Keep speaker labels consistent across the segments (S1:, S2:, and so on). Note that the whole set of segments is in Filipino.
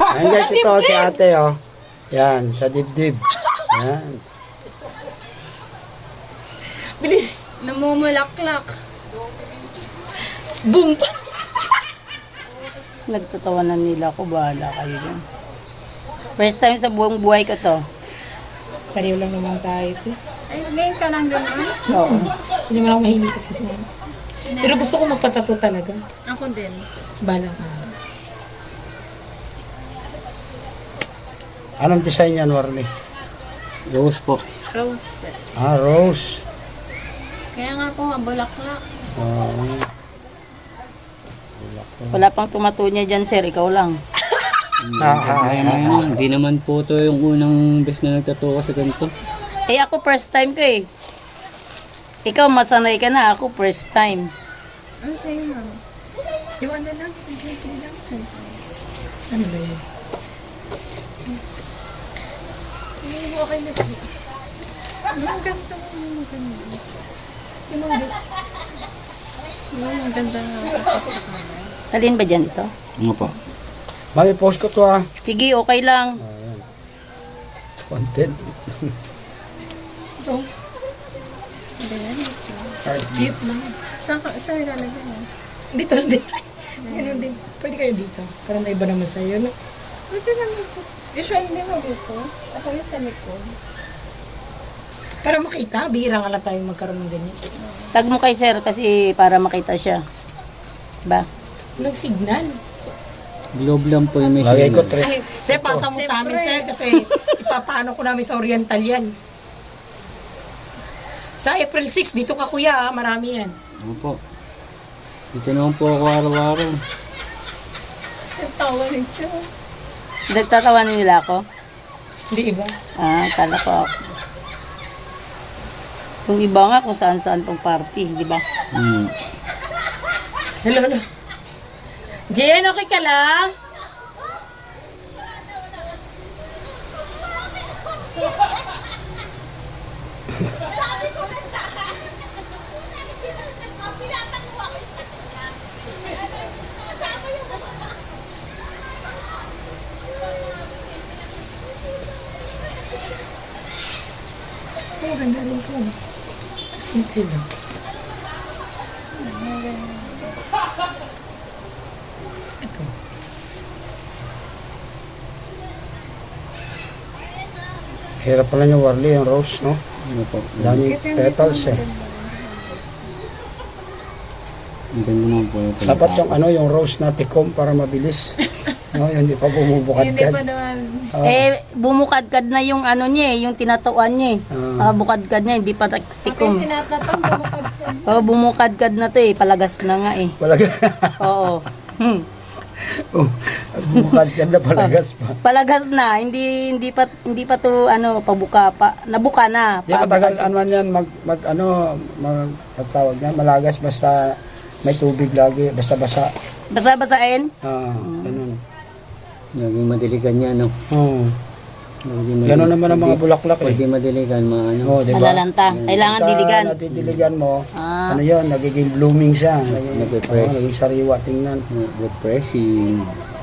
S1: Ayan guys, ito si ate, oh. Yan, sa dibdib. Yan.
S2: Bilis. Namumulaklak. Boom!
S3: Nagtatawanan nila ako, bahala kayo dyan. First time sa buong buhay ko to.
S4: Pareho lang naman tayo ito.
S2: Ay, ngayon ka lang gano'n.
S3: Oo.
S4: Hindi naman ako mahilig kasi ito. Pero gusto ko magpatato talaga.
S2: Ako din.
S4: Bala ka.
S1: Anong design yan, Warli?
S5: Rose po.
S2: Rose.
S1: Ah, rose.
S2: Kaya nga po, bulaklak.
S1: Oh.
S3: Wala pang tumatunya dyan, sir. Ikaw lang.
S5: Hindi naman po ito yung unang best na nagtatuwa sa ganito.
S3: Eh, ako first time ko eh. Ikaw, masanay ka na. Ako first time.
S2: Ano sa'yo, ma'am? Yung ano lang, hindi lang.
S4: Saan ba yun?
S2: Hindi mo okay na ito. Ang ganda mo, ang ganda. Yung mga ang ganda na kapag sa kamay.
S3: Alin ba dyan ito?
S5: Ano po?
S1: Mami, post ko to, ah.
S3: Sige, okay lang.
S1: Ayan. Content.
S4: Ito.
S2: Hindi yan, isa.
S4: Cute lang.
S2: Saan ilalagay mo?
S4: Dito lang din. Ano din. Pwede kayo dito. Para may iba naman sa'yo. No?
S2: Pwede naman ito. Usually, hindi mo dito. Ako yung sa likod.
S4: Para makita. Bihira nga lang tayo magkaroon ng ganyan.
S3: Tag mo kay sir kasi para makita siya. Ba?
S4: Walang signal.
S5: Globe lang po yung may
S1: Lagay ko
S5: signal.
S1: 3.
S4: Sir, pasa mo sa amin, sir. Kasi ipapaano ko namin sa Oriental yan. Sa April 6, dito ka kuya. Marami yan.
S5: Ano po? Dito naman po ako araw-araw.
S2: Ang tawa rin siya.
S3: Nagtatawanan nila ako?
S4: Hindi iba.
S3: Ah, kala ko ako. Kung iba nga kung saan-saan pang party, di ba?
S4: Hello, hello. Jen, okay ka lang? Oh, ganda rin ko. Simple lang. Ito.
S1: Hirap pala niya, Warli, yung rose, no?
S5: Ano po?
S1: Dami petals, eh.
S5: Ang ganda naman po ito.
S1: Dapat yung ano, yung rose na tikom para mabilis. No, yung hindi pa bumubukad
S2: Hindi
S1: ka.
S2: pa naman.
S3: Eh, bumukadkad na yung ano niya eh, yung tinatuan niya eh. Bukadkad niya, hindi pa
S2: Ako
S3: tikom.
S2: yung tinatatang bumukad ka.
S3: Oh, bumukadkad na to eh, palagas na nga eh.
S1: Palaga.
S3: Oo.
S1: Bumukad ka na, palagas pa.
S3: Palagas na, hindi pa to ano, pabuka pa. Nabuka na.
S1: Di matagal ano man yan, tawag na, malagas basta may tubig lagi, basta basa.
S3: Basa-basain?
S1: Ganun.
S5: Naging madiligan niya, no?
S1: Oo.
S5: Naging
S1: Ganun naman ang mga bulaklak, eh.
S5: Pwede madiligan, maano.
S1: Oh, di ba?
S3: Alalanta. Kailangan diligan.
S1: Natitiligan mo,
S3: Ah.
S1: ano yun, nagiging blooming siya.
S5: Nagpe-fresh.
S1: Naging sariwa, tingnan.
S5: Refreshing.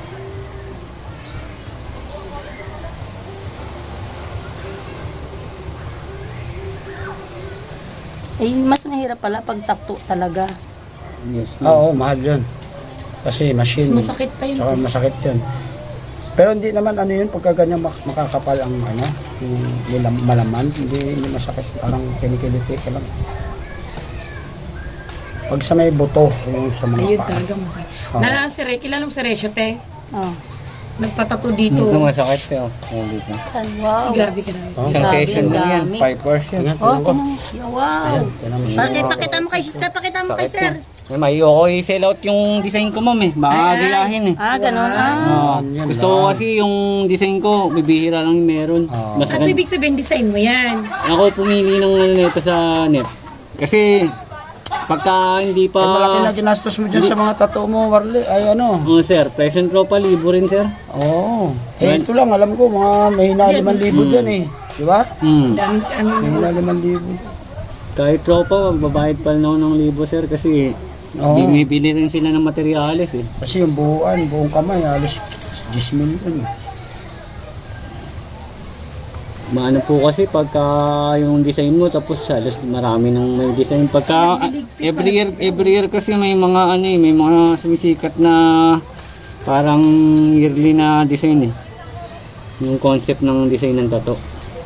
S3: Eh, mas mahirap pala pag takto talaga.
S5: Yes,
S1: Oo, mahal yun. Kasi machine.
S4: Mas masakit pa yun.
S1: Tsaka masakit yun. Pero hindi naman ano yun, pagka ganyan makakapal ang ano, yung malaman, hindi masakit. Parang kinikiliti ka lang. Pag sa may buto, yung sa mga
S4: Ayun
S1: paa.
S4: talaga masakit. Nalala si Re, kilala mo si Resyo, te?
S3: Oh.
S4: Nagpatato dito.
S5: Ito masakit eh, oh. Oh, dito.
S3: San? Wow.
S4: Grabe ka na.
S1: Oh,
S5: Isang
S3: Grabe,
S5: session
S3: ang
S5: lang yan.
S3: dami.
S5: 5 hours yan.
S1: Tingnan,
S3: Oh,
S1: tingnan ko.
S3: wow.
S1: Tingnan mo siya.
S3: Bakit pakita mo kay Siska, pakita mo kay
S5: Sakit
S3: sir.
S5: yan. Eh, may okay sell out yung design ko, ma'am eh. Baka gayahin eh.
S3: Ah, ganun ah.
S5: Oo.
S1: yan
S5: Gusto ko kasi yung design ko, bibihira lang yung meron. Mas
S4: Kasi ibig sabihin, design mo yan.
S5: ako pumili ng ano nito sa net. Kasi pagka hindi
S1: Eh, malaki na
S5: pa...
S1: ginastos mo dyan sa mga tattoo mo, Warli. Ay, ano.
S5: Oh, sir, present ko pa, libo rin, sir.
S1: Oo. Eh, ito lang, alam ko, mga mahina 5,000 dyan eh. Di ba?
S4: Dami, ano,
S1: Mahina 5,000.
S5: Kahit tropa, magbabayad pa rin ako ng libo, sir, kasi
S1: Oo.
S5: bumibili rin sila ng materyales eh.
S1: Kasi yung buong kamay, halos 10 million.
S5: Maano po kasi pagka yung design mo tapos halos marami nang may design pagka every year kasi may mga ano eh, may mga sumisikat na parang yearly na design eh. Yung concept ng design ng tattoo.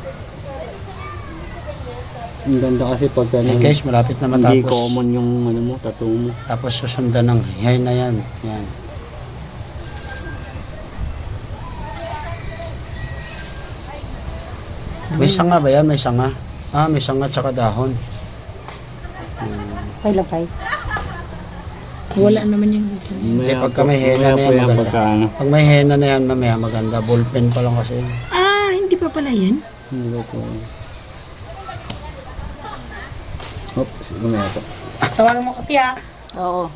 S5: Ang ganda kasi pagka
S1: Eh guys, malapit na
S5: hindi
S1: matapos.
S5: common yung ano mo, tattoo mo.
S1: Tapos susundan ng yan na yan. Yan. May sanga ba yan? May sanga? Ah, may sanga at saka dahon.
S3: Okay lang kay.
S4: Wala naman yung dito.
S1: Hindi, pagka may henna na yan, maganda.
S5: Pagka, ano,
S1: Pag may henna na yan, mamaya maganda. Ballpen pa lang kasi.
S4: Ah, hindi pa pala yan?
S5: hindi ko po. Oops, lumaya po.
S4: Tawagan mo ko, tiya.
S3: Oo.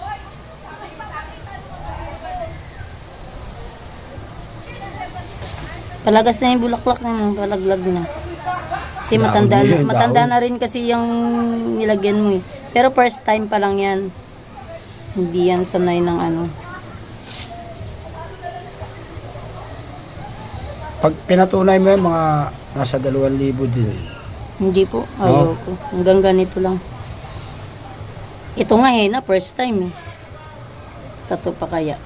S3: Palagas na yung bulaklak na yun, palaglag na. Kasi
S1: Daon
S3: matanda
S1: yun,
S3: na,
S1: daon.
S3: matanda na rin kasi yung nilagyan mo eh. Pero first time pa lang yan. Hindi yan sanay ng ano.
S1: Pag pinatunay mo yan, mga nasa 2,000 din.
S3: Hindi po, ayoko. Hanggang ganito lang. Ito nga na first time eh. Tato pa kaya.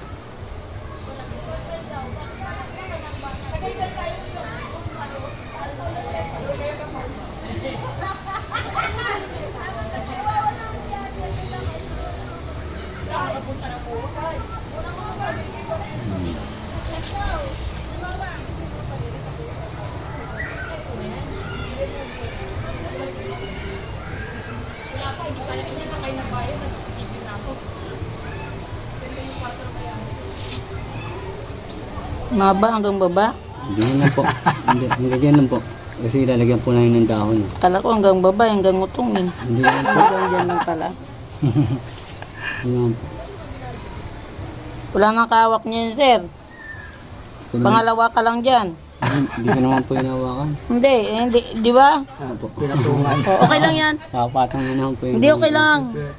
S3: Maba hanggang baba.
S5: Hindi na po. Hindi ganyan po. Kasi lalagyan po namin ng dahon.
S3: Kala ko hanggang baba, hanggang utong eh.
S5: Hindi na po.
S3: Hanggang dyan lang pala.
S5: Hindi na po.
S3: Wala nang kawak niya yun, sir. Pangalawa ka lang dyan.
S5: Hindi ko naman po hinawakan.
S3: Hindi, di ba?
S5: Opo.
S1: Pinatungan.
S3: Okay lang yan.
S5: Kapatang na naman po yung...
S3: Hindi, okay lang.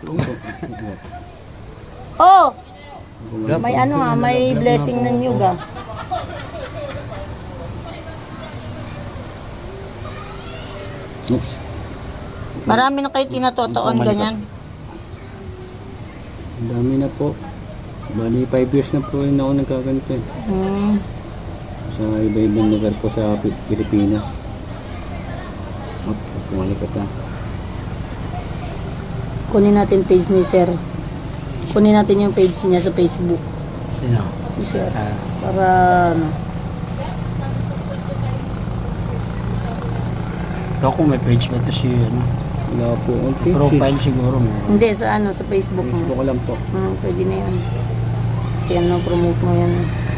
S3: Oh! May ano ha, may blessing ng yuga.
S5: Oops.
S3: Marami na kayo tinatotoon ganyan.
S5: Ang dami na po. Bali, 5 years na po rin ako nagkaganito eh.
S3: Hmm.
S5: Sa iba-ibang lugar po sa Pilipinas. Op, kumalikat na.
S3: Kunin natin page ni sir. Kunin natin yung page niya sa Facebook.
S1: Sino?
S3: Ni sir.
S1: Ah,
S3: Para ano.
S1: ikaw kung may page ba ito si ano?
S5: Wala po. Okay.
S1: Profile siguro mo.
S3: Hindi, sa ano, sa Facebook mo.
S5: Facebook ko lang po.
S3: Pwede na yan. Kasi ano, promote mo yan.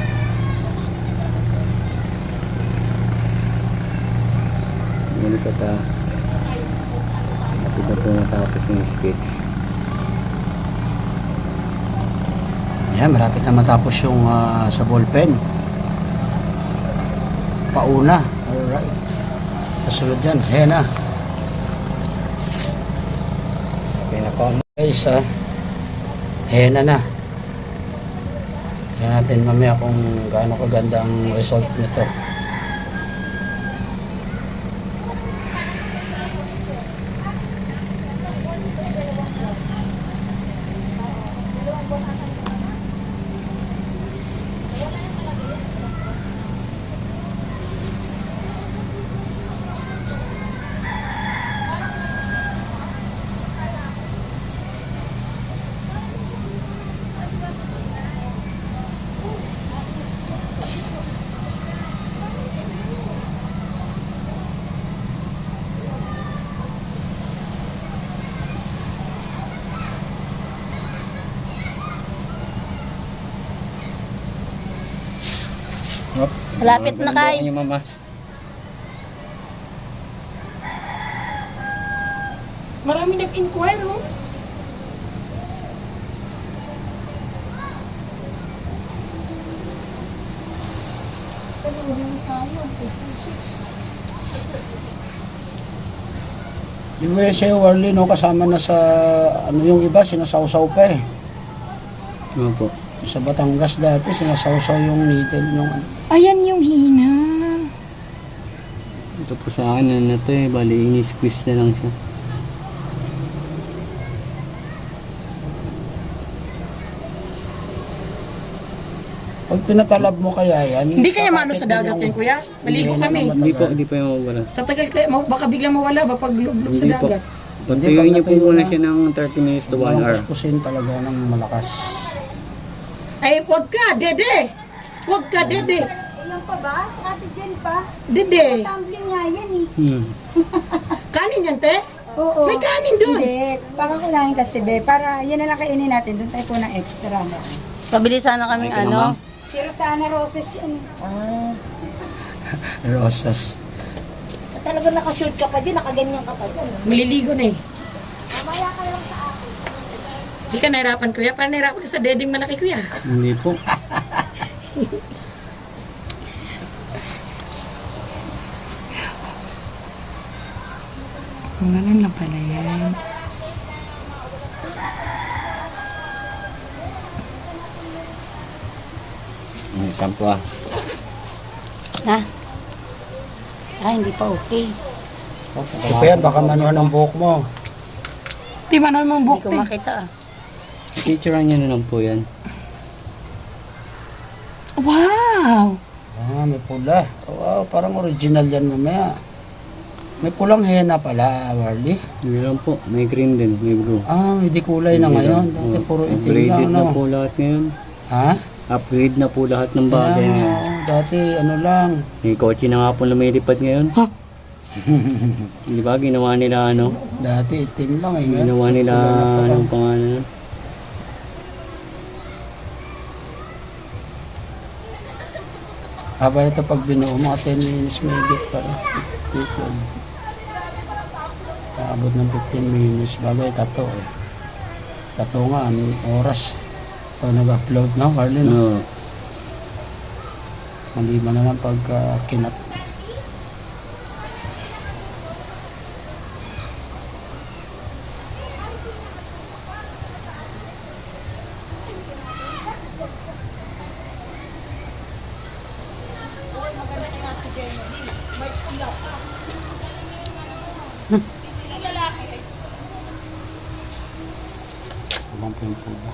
S5: Kumalikat na. Matid na po natapos yung sketch.
S1: Yan, malapit na matapos yung sa ballpen. Pauna. Alright. Kasunod dyan, henna. Okay na po. Guys, henna na. Tingnan natin mamaya kung gaano kaganda ang result nito.
S5: Op.
S3: Malapit na kay.
S5: Yung mama.
S4: Marami nag-inquire, no?
S1: Yung USA Warley, no, kasama na sa, ano yung iba, sinasawsaw pa eh.
S5: Ano po?
S1: Sa Batangas dati, sinasawsaw yung needle yung ano.
S4: Ayan yung hina.
S5: Ito po sa akin, ano na to eh, bali ini-squeeze na lang siya.
S1: Pag pinatalab mo kaya yan,
S4: Hindi kaya mano
S1: kakapit
S4: sa
S1: mo
S4: dagat
S1: yung-
S4: yan, kuya? Maligo
S1: Hindi
S4: kami.
S1: naman
S5: Hindi po,
S1: matagal.
S5: hindi pa yung mawala.
S4: Tatagal kaya, baka biglang mawala ba pag lublog sa
S5: Hindi po.
S4: dagat?
S5: Pagtuyuin
S1: pag
S5: niyo po
S1: natuyo
S5: muna
S1: na.
S5: siya ng 30 minutes to 1
S1: Walang
S5: hour.
S1: kuskusin talaga ng malakas.
S4: Ay, wag ka, dede! Wag ka, dede!
S6: Ilan pa ba? Si Ate Jen pa.
S4: Dede!
S6: Tumbling nga yan eh.
S4: Kanin yan, te?
S6: Oo.
S4: May kanin doon.
S6: Hindi. Pakakulangin kasi, be. Para yun na lang kainin natin. Doon tayo po ng extra.
S3: Pabili sana kaming
S5: Okay ka na,
S3: ano.
S5: ma'am?
S6: Si Rosana Roses yun.
S1: Rosas.
S6: Talaga nakashoot ka pa din. Nakaganyan ka pa din.
S4: Maliligo na eh.
S6: Mamaya ka lang sa akin.
S4: Hindi ka nahirapan, kuya. Parang nahirapan ka sa dedeng malaki, kuya.
S5: Hindi po.
S4: Ganun lang pala yan.
S5: May kampo ah.
S3: Ha? Ah, hindi pa okay.
S1: Ito pa yan, baka manuhan ang buhok mo.
S4: Di ba naman
S3: Hindi
S4: buhok,
S3: ko
S4: te?
S3: makita ah.
S5: Picturean niyo na lang po yan.
S4: Wow!
S1: Ah, may pula. Wow, parang original yan mamaya. May pulang henna pala, Warly.
S5: Hindi lang po. May green din, may blue.
S1: Ah, may di kulay na ngayon. Dati
S5: Oh,
S1: puro itim
S5: upgraded
S1: lang,
S5: na
S1: no?
S5: po lahat ngayon.
S1: Ha?
S5: Upgrade na po lahat ng bagay
S1: Ah,
S5: ngayon.
S1: dati ano lang.
S5: May kotse na nga po lumilipad ngayon.
S4: Ha?
S5: Di ba? Ginawa nila ano?
S1: Dati itim lang eh.
S5: Ginawa nila
S1: Pula na pala.
S5: anong pangalan?
S1: Haba nito pag binuo, mga 10 minutes may higit para. Dito. Naabot ng 15 minutes bagay tato eh. Tato nga, anong oras. Ito nag-upload na, Warly, no?
S5: No.
S1: Maliban na lang pagka kinat. Ibang po yung pula.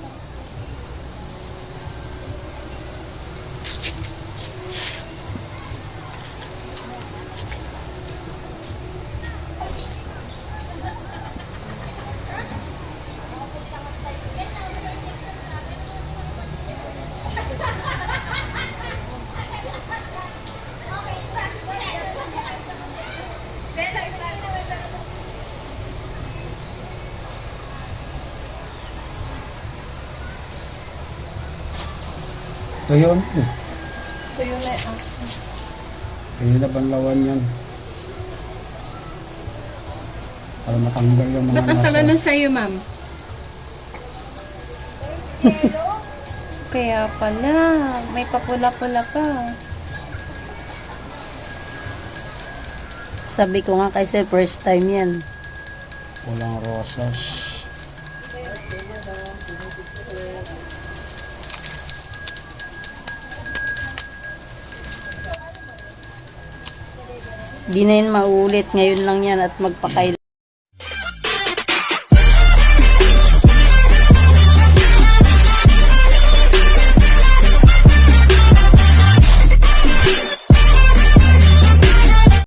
S1: Ito yun.
S2: Tuyo na ah.
S1: Kaya na banlawan yan. Para matanggal yung mga
S2: Ba't ang tala
S1: nasa.
S2: na sa'yo, ma'am? Kaya pala, may papula-pula pa.
S3: Sabi ko nga kasi first time yan.
S1: Walang rosas.
S3: Di na yun maulit. Ngayon lang yan at magpakail.